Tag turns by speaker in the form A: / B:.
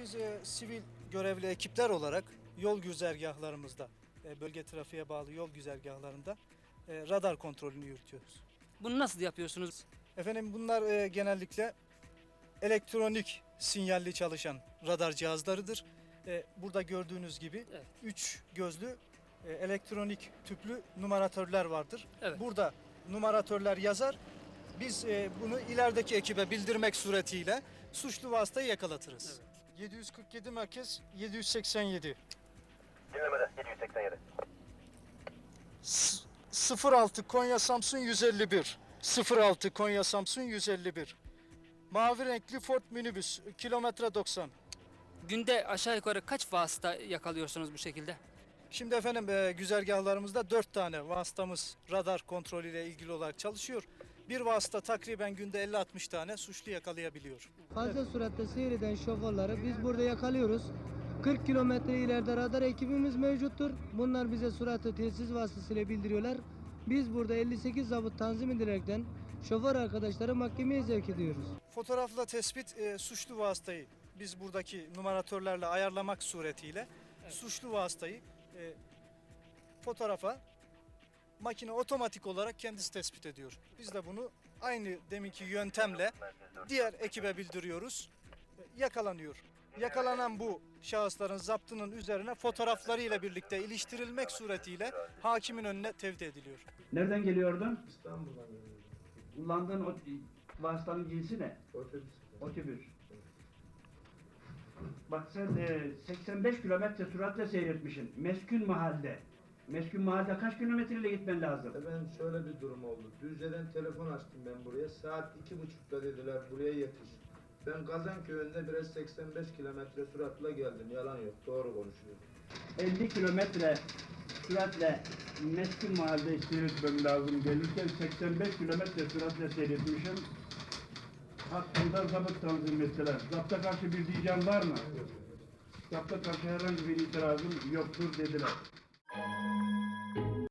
A: biz sivil görevli ekipler olarak yol güzergahlarımızda, bölge trafiğe bağlı yol güzergahlarında radar kontrolünü yürütüyoruz.
B: Bunu nasıl yapıyorsunuz?
A: Efendim bunlar genellikle elektronik sinyalli çalışan radar cihazlarıdır. Burada gördüğünüz gibi
B: Evet.
A: 3 gözlü elektronik tüplü numaratörler vardır.
B: Evet.
A: Burada numaratörler yazar. Biz bunu ilerideki ekibe bildirmek suretiyle suçlu vasıtayı yakalatırız. Evet. 747 merkez 787.
C: Dinlemede 787.
A: 06 Konya Samsun 151. 06 Konya Samsun 151. Mavi renkli Ford minibüs kilometre 90.
B: Günde aşağı yukarı kaç vasıta yakalıyorsunuz bu şekilde?
A: Şimdi efendim güzergahlarımızda 4 tane vasıtamız radar kontrolüyle ilgili olarak çalışıyor. Bir vasıta takriben günde 50-60 tane suçlu yakalayabiliyor.
D: Fazla süratle seyreden şoförleri biz burada yakalıyoruz. 40 kilometre ileride radar ekibimiz mevcuttur. Bunlar bize süratli telsiz vasıtasıyla bildiriyorlar. Biz burada 58 zabıt tanzim edilerekten şoför arkadaşları mahkemeye sevk ediyoruz.
A: Fotoğrafla tespit suçlu vasıtayı biz buradaki numaratörlerle ayarlamak suretiyle suçlu vasıtayı fotoğrafa makine otomatik olarak kendisi tespit ediyor. Biz de bunu aynı deminki yöntemle diğer ekibe bildiriyoruz. Yakalanıyor. Yakalanan bu şahısların zaptının üzerine fotoğraflarıyla birlikte iliştirilmek suretiyle hakimin önüne tevdi ediliyor.
E: Nereden geliyordun?
F: İstanbul'dan geliyorum.
E: Kullandığın o vasıtanın cinsi ne?
F: Otobüs.
E: Otobüs. Bak sen 85 kilometre süratle seyretmişsin. Meskun mahalde. Meskun mahalde kaç kilometreyle gitmen lazım?
F: Ben şöyle bir durum oldu. Düzce'den telefon açtım ben buraya. Saat 2.30'da dediler buraya yetiş. Ben Kazanköy'ünde biraz 85 kilometre süratle geldim. Yalan yok. Doğru konuşuyorum.
E: 50 kilometre süratle meskun mahalde seyretmem lazım. Gelirken 85 kilometre süratle seyretmişim. Hakkında zabıt tanzim ettiler. Zapta karşı bir diyeceğim var mı? Zapta karşı herhangi bir itirazım yoktur dediler.